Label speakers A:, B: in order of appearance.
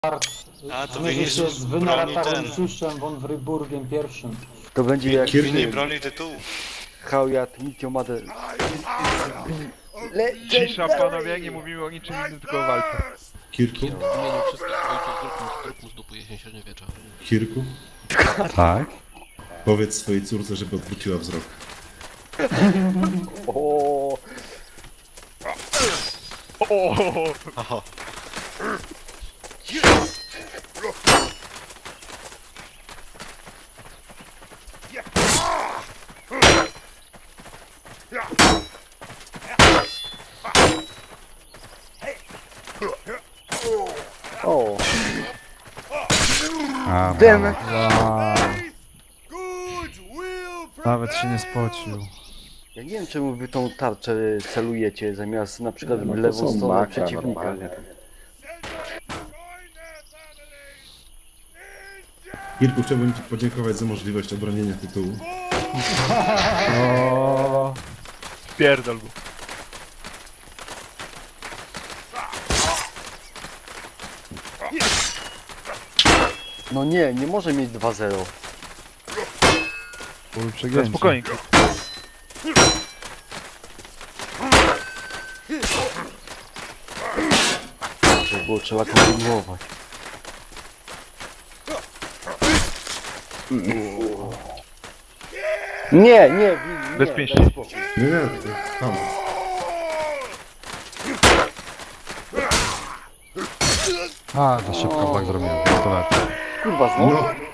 A: A, to
B: zmierzy się z
A: broni
B: Wynaratowym
A: ten.
B: Suszem von Fryburgiem I.
C: To będzie jak
A: Nie broni tytułu.
C: Haujat Niciomade.
D: Cisza panowie, nie mówimy o niczym innym, tylko o walce.
E: Kirku?
F: W imieniu wszystkich ojców zrób mu z dupy jesień średniowiecza.
E: Kirku?
G: Tak?
E: Powiedz swojej córce, żeby odwróciła wzrok.
C: O,
A: Oho.
C: o.
G: A,
C: Damn.
G: wow. Nawet się nie spocił.
C: Ja nie wiem czemu wy tą tarczę celujecie zamiast na przykład w
H: No to
C: lewą
H: są
C: stronę
H: maka
C: przeciwnika.
H: normalnie.
E: Kirku, chciałbym ci podziękować za możliwość obronienia tytułu.
G: O,
D: Pierdol go.
C: No nie, nie może mieć 2-0.
G: ból przegięcie.
D: Spokojnie.
C: To było trzeba kontynuować. Nie, nie,
D: Bez
C: nie,
D: pięści.
C: daj spokój.
E: Nie, nie, tam.
G: A, za szybko tak zrobiłem. To lepiej.
C: Kurwa, znowu?
E: No,